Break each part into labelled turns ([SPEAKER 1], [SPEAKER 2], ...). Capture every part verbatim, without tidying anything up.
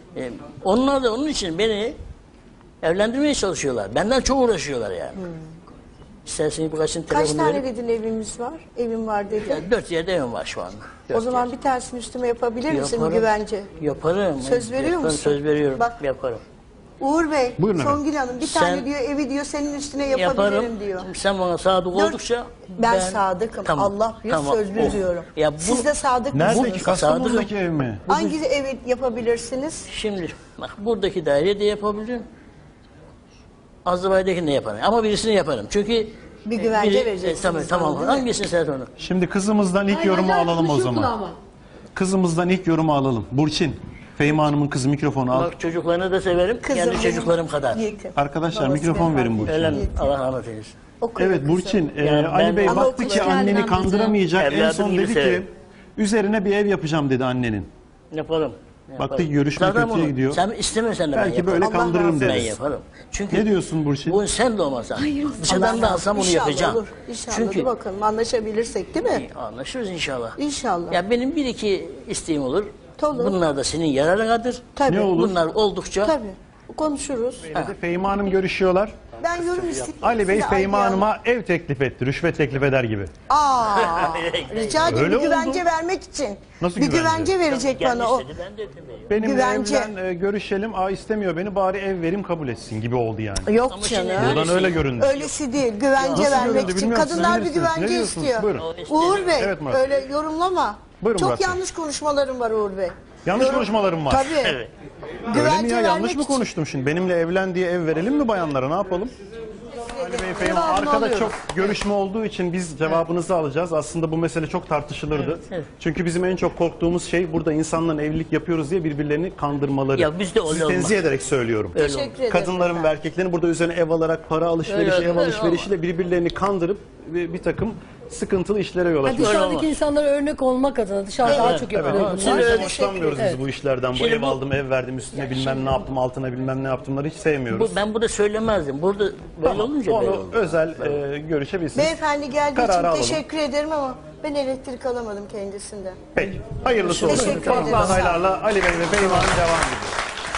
[SPEAKER 1] E, onlar da onun için beni evlendirmeye çalışıyorlar. Benden çok uğraşıyorlar yani. Hmm. İsterseniz birkaçın
[SPEAKER 2] Kaç
[SPEAKER 1] telefonunu
[SPEAKER 2] tane
[SPEAKER 1] verip,
[SPEAKER 2] dedin evimiz var? Evim var dedi.
[SPEAKER 1] yani dört yerde evim var şu anda. Dört
[SPEAKER 2] O zaman
[SPEAKER 1] yer.
[SPEAKER 2] bir tanesini üstüme yapabilir misin
[SPEAKER 1] Yaparım.
[SPEAKER 2] güvence?
[SPEAKER 1] Yaparım.
[SPEAKER 2] Söz veriyor
[SPEAKER 1] Yaparım,
[SPEAKER 2] musun?
[SPEAKER 1] Söz veriyorum.
[SPEAKER 2] Bak.
[SPEAKER 1] Yaparım.
[SPEAKER 2] Uğur Bey,
[SPEAKER 3] Buyurun
[SPEAKER 2] Songül Hanım bir
[SPEAKER 1] Sen-
[SPEAKER 2] tane diyor evi diyor senin üstüne yapabilirim
[SPEAKER 1] Yaparım.
[SPEAKER 2] diyor.
[SPEAKER 1] Sen bana sadık
[SPEAKER 2] Dört-
[SPEAKER 1] oldukça
[SPEAKER 2] Ben, sadıkım.
[SPEAKER 1] Tamam,
[SPEAKER 2] Allah büyük
[SPEAKER 1] tamam.
[SPEAKER 2] sözlü
[SPEAKER 1] O-
[SPEAKER 2] diyorum.
[SPEAKER 1] Ya bu-
[SPEAKER 2] Siz de sadık
[SPEAKER 3] Nerede
[SPEAKER 2] mısınız?
[SPEAKER 3] ki? Kastamonu'daki ev mi?
[SPEAKER 2] Hangi evi yapabilirsiniz?
[SPEAKER 1] Şimdi bak buradaki daireye de yapabilirim. Azerbaycan'dakini de yaparım. Ama birisini yaparım. Çünkü
[SPEAKER 2] Bir güvence
[SPEAKER 1] biri-
[SPEAKER 2] vereceksiniz
[SPEAKER 1] tamam,
[SPEAKER 2] bana,
[SPEAKER 1] tamam.
[SPEAKER 2] değil mi?
[SPEAKER 1] Hangisini sen onu?
[SPEAKER 3] Şimdi kızımızdan ilk yorumu alalım o zaman. Kızımızdan ilk yorumu alalım. Burçin, Fehmi Hanım'ın kızı mikrofonu al.
[SPEAKER 1] Bak çocuklarını da severim.
[SPEAKER 2] Kızım
[SPEAKER 1] Kendi
[SPEAKER 2] benim
[SPEAKER 1] çocuklarım kadar.
[SPEAKER 2] yakın.
[SPEAKER 3] Arkadaşlar
[SPEAKER 2] Babası
[SPEAKER 3] mikrofon
[SPEAKER 2] vefat
[SPEAKER 3] verin Burçin.
[SPEAKER 1] Öyle mi? Allah rahmet eylesin.
[SPEAKER 2] Okuyor
[SPEAKER 3] Evet
[SPEAKER 2] kızım.
[SPEAKER 3] Burçin, e,
[SPEAKER 1] Yani
[SPEAKER 3] Ali
[SPEAKER 1] ben-
[SPEAKER 3] Bey
[SPEAKER 2] Ama
[SPEAKER 3] baktı ki
[SPEAKER 2] okula
[SPEAKER 3] anneni
[SPEAKER 4] gelmem
[SPEAKER 3] kandıramayacak. En
[SPEAKER 1] Evladım
[SPEAKER 3] son
[SPEAKER 1] gibi
[SPEAKER 3] dedi ki
[SPEAKER 1] severim.
[SPEAKER 3] üzerine bir ev yapacağım dedi annenin.
[SPEAKER 1] Yaparım. yaparım.
[SPEAKER 3] Baktık görüşme
[SPEAKER 1] Zaten
[SPEAKER 3] kötüye
[SPEAKER 1] bunu
[SPEAKER 3] gidiyor.
[SPEAKER 1] Sen istemiyorsan da ben
[SPEAKER 3] Belki
[SPEAKER 1] yaparım.
[SPEAKER 3] böyle
[SPEAKER 2] Allah razı
[SPEAKER 3] kandırırım
[SPEAKER 2] olsun.
[SPEAKER 1] Ben
[SPEAKER 3] dedi.
[SPEAKER 1] yaparım. Çünkü
[SPEAKER 3] Ne diyorsun Burçin?
[SPEAKER 1] bu sen de olmasa. Dışarıdan
[SPEAKER 2] Allah
[SPEAKER 1] da alsam bunu
[SPEAKER 2] İnşallah
[SPEAKER 1] yapacağım.
[SPEAKER 2] Olur. İnşallah
[SPEAKER 1] Çünkü
[SPEAKER 2] dur bakalım anlaşabilirsek değil mi?
[SPEAKER 1] anlaşırız inşallah.
[SPEAKER 2] İnşallah.
[SPEAKER 1] Ya benim bir iki isteğim olur.
[SPEAKER 2] Olur.
[SPEAKER 1] Bunlar da senin yararınadır.
[SPEAKER 2] Tabii.
[SPEAKER 3] Ne olur?
[SPEAKER 1] Bunlar oldukça
[SPEAKER 2] Tabii. Konuşuruz.
[SPEAKER 3] Dedi, Fehmi Hanım görüşüyorlar.
[SPEAKER 2] Ben yorum istedim.
[SPEAKER 3] Ali Bey
[SPEAKER 2] Size
[SPEAKER 3] Fehmi
[SPEAKER 2] ayrı
[SPEAKER 3] Hanım'a ev teklif etti. Rüşvet teklif eder gibi.
[SPEAKER 2] Aa, rica ederim
[SPEAKER 3] Öyle
[SPEAKER 2] bir güvence
[SPEAKER 3] oldu.
[SPEAKER 2] vermek için.
[SPEAKER 3] Nasıl
[SPEAKER 2] bir
[SPEAKER 3] güvence?
[SPEAKER 2] güvence verecek
[SPEAKER 1] Gelmiş
[SPEAKER 2] bana o.
[SPEAKER 1] dedi, ben de etmiyorum.
[SPEAKER 3] Benimle
[SPEAKER 2] Güvence.
[SPEAKER 3] evlen e, görüşelim. Aa istemiyor beni bari ev verim kabul etsin gibi oldu yani.
[SPEAKER 2] Yok
[SPEAKER 1] Ama şimdi
[SPEAKER 2] canım.
[SPEAKER 1] öyle
[SPEAKER 3] Buradan öyle göründü.
[SPEAKER 2] Öylesi değil. Güvence
[SPEAKER 3] Nasıl
[SPEAKER 2] vermek
[SPEAKER 3] göründü
[SPEAKER 2] için.
[SPEAKER 3] bilmiyorum,
[SPEAKER 2] Kadınlar
[SPEAKER 3] siz
[SPEAKER 2] bir
[SPEAKER 3] bilirsiniz. Ne
[SPEAKER 2] güvence
[SPEAKER 3] diyorsunuz?
[SPEAKER 2] istiyor.
[SPEAKER 3] Buyurun.
[SPEAKER 2] Uğur Bey
[SPEAKER 3] Evet Murat.
[SPEAKER 2] öyle yorumlama.
[SPEAKER 3] Buyurun
[SPEAKER 2] Çok
[SPEAKER 3] Murat Bey.
[SPEAKER 2] yanlış konuşmalarım var Uğur Bey.
[SPEAKER 3] Yanlış
[SPEAKER 2] Yorum-
[SPEAKER 3] konuşmalarım var.
[SPEAKER 2] Tabii.
[SPEAKER 1] Evet.
[SPEAKER 3] Öyle mi
[SPEAKER 2] Güvence
[SPEAKER 3] ya? Yanlış
[SPEAKER 2] vermek
[SPEAKER 3] mı
[SPEAKER 2] için.
[SPEAKER 3] konuştum şimdi? Benimle evlen diye ev verelim mi bayanlara? Ne yapalım? Ali Bey Fehmi,
[SPEAKER 2] Devamını
[SPEAKER 3] arkada
[SPEAKER 2] alıyorum.
[SPEAKER 3] çok görüşme olduğu için biz cevabınızı alacağız. Aslında bu mesele çok tartışılırdı.
[SPEAKER 1] Evet, evet.
[SPEAKER 3] Çünkü bizim en çok korktuğumuz şey burada insanların evlilik yapıyoruz diye birbirlerini kandırmaları.
[SPEAKER 1] Ya bizde öyle
[SPEAKER 3] Sizi
[SPEAKER 1] olmaz.
[SPEAKER 3] tenzih ederek söylüyorum.
[SPEAKER 1] Öyle
[SPEAKER 2] Teşekkür
[SPEAKER 1] oldu.
[SPEAKER 2] ederim.
[SPEAKER 3] Kadınların ve
[SPEAKER 2] efendim.
[SPEAKER 3] erkeklerin burada üzerine ev alarak para alışverişi,
[SPEAKER 1] Öyle,
[SPEAKER 3] ev
[SPEAKER 1] öyle
[SPEAKER 3] alışverişiyle birbirlerini kandırıp bir, bir takım sıkıntılı işlere yol
[SPEAKER 4] Ha,
[SPEAKER 3] açıyor.
[SPEAKER 4] dışarıdaki
[SPEAKER 1] olmaz.
[SPEAKER 4] insanlara örnek olmak adına dışarıda daha çok yapılıyor
[SPEAKER 3] Evet.
[SPEAKER 4] bunlar.
[SPEAKER 1] Şimdi
[SPEAKER 3] O yüzden
[SPEAKER 1] öyle-
[SPEAKER 3] hoşlanmıyoruz biz bu işlerden. Bu
[SPEAKER 1] Şimdi
[SPEAKER 3] ev
[SPEAKER 1] bu-
[SPEAKER 3] aldım, ev verdim, üstüne bilmem ne yaptım, altına bilmem ne yaptımları hiç sevmiyoruz.
[SPEAKER 1] Bu, ben burada söylemezdim. Burada böyle
[SPEAKER 3] Tamam,
[SPEAKER 1] olunca böyle
[SPEAKER 3] onu
[SPEAKER 1] oldu.
[SPEAKER 3] özel e, görüşebilirsiniz.
[SPEAKER 2] Beyefendi geldiği
[SPEAKER 3] Kararı
[SPEAKER 2] için
[SPEAKER 3] alalım.
[SPEAKER 2] teşekkür ederim ama ben elektrik alamadım kendisinden.
[SPEAKER 3] Peki. Hayırlısı olsun.
[SPEAKER 2] Teşekkür
[SPEAKER 3] Farklı
[SPEAKER 2] ederim.
[SPEAKER 3] adaylarla Ali Bey ve Fehmi Hanım devam ediyor.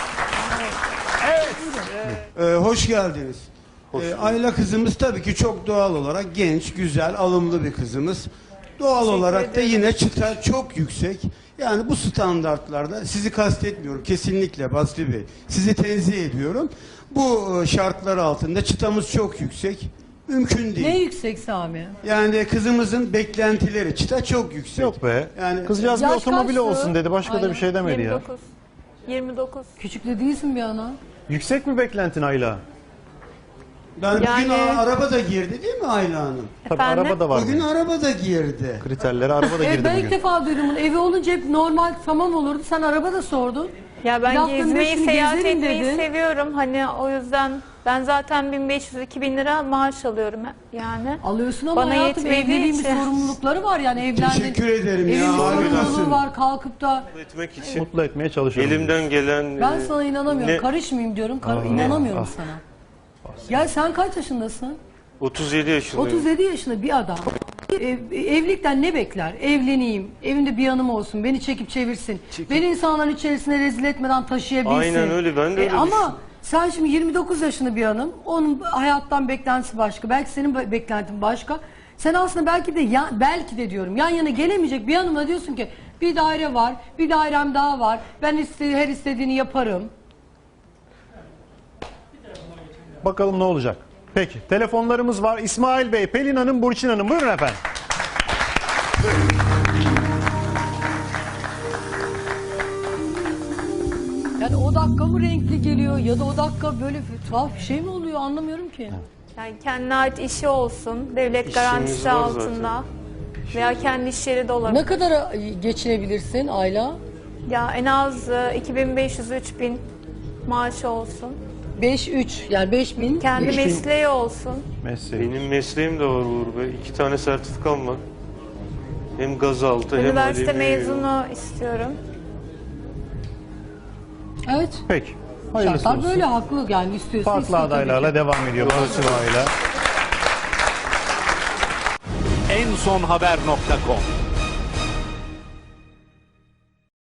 [SPEAKER 5] Ee, hoş geldiniz. Ee, Ayla kızımız tabii ki çok doğal olarak genç, güzel, alımlı bir kızımız. Doğal olarak da yine çıta çok yüksek. Yani bu standartlarda sizi kastetmiyorum kesinlikle Basri Bey. Sizi tenzih ediyorum. Bu e, şartlar altında çıtamız çok yüksek. Mümkün değil.
[SPEAKER 4] Ne yüksek Sami?
[SPEAKER 5] Yani kızımızın beklentileri çıta çok yüksek.
[SPEAKER 3] Yok be.
[SPEAKER 5] Yani
[SPEAKER 3] Kızcağız bir
[SPEAKER 4] Yaş
[SPEAKER 3] otomobil
[SPEAKER 4] kaçtı?
[SPEAKER 3] olsun dedi. Başka da
[SPEAKER 4] Aynen.
[SPEAKER 3] bir şey demedi ya.
[SPEAKER 6] yirmi dokuz. yirmi dokuz.
[SPEAKER 4] Küçük de değilsin bir ana.
[SPEAKER 3] Yüksek mi beklentin Ayla?
[SPEAKER 5] ben bugün
[SPEAKER 6] Yani-
[SPEAKER 5] a- araba da girdi değil mi Ayla Hanım?
[SPEAKER 3] Tabii
[SPEAKER 6] Efendim?
[SPEAKER 3] araba da var.
[SPEAKER 5] Bugün
[SPEAKER 3] bunun.
[SPEAKER 5] araba da girdi.
[SPEAKER 3] Kriterlere araba da
[SPEAKER 4] Evet
[SPEAKER 3] girdi
[SPEAKER 4] ben ilk
[SPEAKER 3] bugün.
[SPEAKER 4] defa duydum bunu. Evi olunca hep normal tamam olurdu. Sen araba da sordun.
[SPEAKER 6] Ya ben
[SPEAKER 4] Yaptım,
[SPEAKER 6] gezmeyi,
[SPEAKER 4] hepsini
[SPEAKER 6] seyahat
[SPEAKER 4] gezerim
[SPEAKER 6] etmeyi
[SPEAKER 4] dedin.
[SPEAKER 6] seviyorum. Hani o yüzden ben zaten bin beş yüz iki bin lira maaş alıyorum yani.
[SPEAKER 4] Alıyorsun ama
[SPEAKER 6] Bana
[SPEAKER 4] hayatım
[SPEAKER 6] yetmediği
[SPEAKER 4] evliliğin bir
[SPEAKER 6] için.
[SPEAKER 4] sorumlulukları var yani evlendin.
[SPEAKER 5] Teşekkür ederim ya,
[SPEAKER 4] Evin bir sorumluluğu
[SPEAKER 5] harikasın.
[SPEAKER 4] var kalkıp da
[SPEAKER 7] etmek için
[SPEAKER 3] Mutlu etmeye çalışıyorum.
[SPEAKER 7] elimden gelen
[SPEAKER 4] ben
[SPEAKER 7] e,
[SPEAKER 4] sana inanamıyorum.
[SPEAKER 7] ne-
[SPEAKER 4] Karışmayayım diyorum. Kar- inanamıyorum sana. Ya sen kaç yaşındasın?
[SPEAKER 7] otuz yedi yaşındayım.
[SPEAKER 4] otuz yedi yaşında bir adam. Ev- evlilikten ne bekler? Evleneyim, evimde bir yanım olsun, beni çekip çevirsin. Beni insanların içerisine rezil etmeden taşıyabilsin.
[SPEAKER 7] Aynen öyle, ben de öyle
[SPEAKER 4] Ama
[SPEAKER 7] düşünüyorum.
[SPEAKER 4] sen şimdi yirmi dokuz yaşında bir hanım, onun hayattan beklentisi başka, belki senin be- beklentin başka. Sen aslında belki de ya, belki de diyorum yan yana gelemeyecek bir hanıma diyorsun ki bir daire var, bir dairem daha var. Ben iste, her istediğini yaparım.
[SPEAKER 3] Bakalım ne olacak. Peki. Telefonlarımız var. İsmail Bey, Pelin Hanım, Burçin Hanım. Buyurun efendim.
[SPEAKER 4] Yani o dakika mı renkli geliyor ya da o dakika böyle bir tuhaf bir şey mi oluyor anlamıyorum ki.
[SPEAKER 6] Yani kendine ait işi olsun, devlet
[SPEAKER 7] İşimiz
[SPEAKER 6] garantisi
[SPEAKER 7] var
[SPEAKER 6] altında veya kendi iş yeri de olabilir.
[SPEAKER 4] Ne kadara geçinebilirsin Ayla?
[SPEAKER 6] Ya en az e, iki bin beş yüz üç bin maaşı olsun.
[SPEAKER 4] beş üç yani beş bin.
[SPEAKER 6] Kendi
[SPEAKER 3] beş bin.
[SPEAKER 6] mesleği olsun.
[SPEAKER 3] Mesleği.
[SPEAKER 7] Benim mesleğim de var Uğur Bey. İki tane sertifikam var. Hem gazaltı hem
[SPEAKER 6] Üniversite
[SPEAKER 7] alüminyum.
[SPEAKER 6] mezunu istiyorum.
[SPEAKER 4] Evet.
[SPEAKER 3] Peki. Hayırlısı
[SPEAKER 4] Şartlar
[SPEAKER 3] olsun.
[SPEAKER 4] böyle haklı yani istiyorsun.
[SPEAKER 3] Farklı
[SPEAKER 4] istiyor tabii
[SPEAKER 3] adaylarla
[SPEAKER 4] ki.
[SPEAKER 3] devam ediyor. Burçin Ayla.
[SPEAKER 8] en son haber nokta com